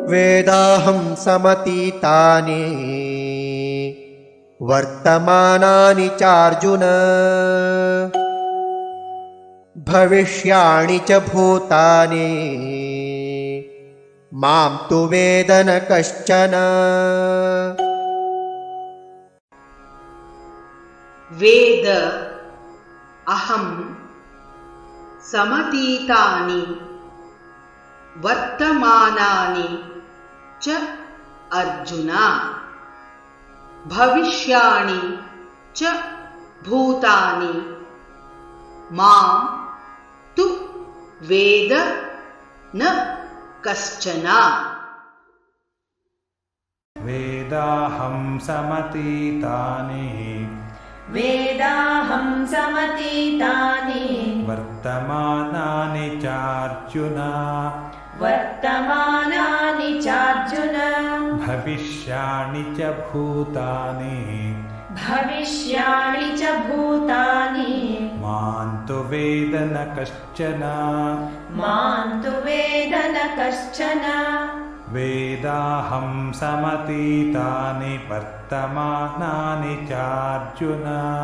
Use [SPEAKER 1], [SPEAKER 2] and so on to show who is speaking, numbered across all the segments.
[SPEAKER 1] वेदाहं समतीतानि वर्तमानानि चार्जुन भविष्याणि च भूतानि मां तु वेद न कश्चन।
[SPEAKER 2] वेद अहं समतीतानि वर्तमानानि च अर्जुन भविष्याणि च भूतानि मां तु वेद न कश्चन।
[SPEAKER 3] वेदाहं समतीतानि वर्तमानानि चार्जुन भविष्याणि च भूतानि मां तु वेद न कश्चन। वेदाहं समतीतानि वर्तमानानि चार्जुन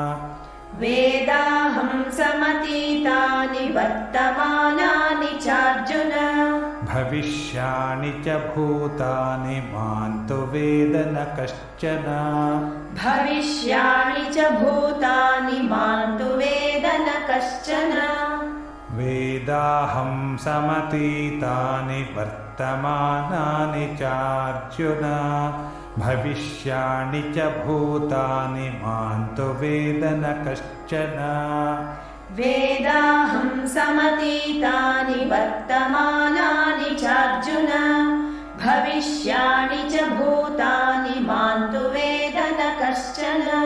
[SPEAKER 3] भविष्याणि च भूतानि मां तु वेद न कश्चन। वेदाहं समतीतानि वर्तमानानि चार्जुन भविष्याणि च भूतानि मां तु वेद न कश्चन।
[SPEAKER 4] वेदाहं समतीतानि वर्तमानानि चार्जुन भविष्याणि च भूतानि मां तु वेद न कश्चन।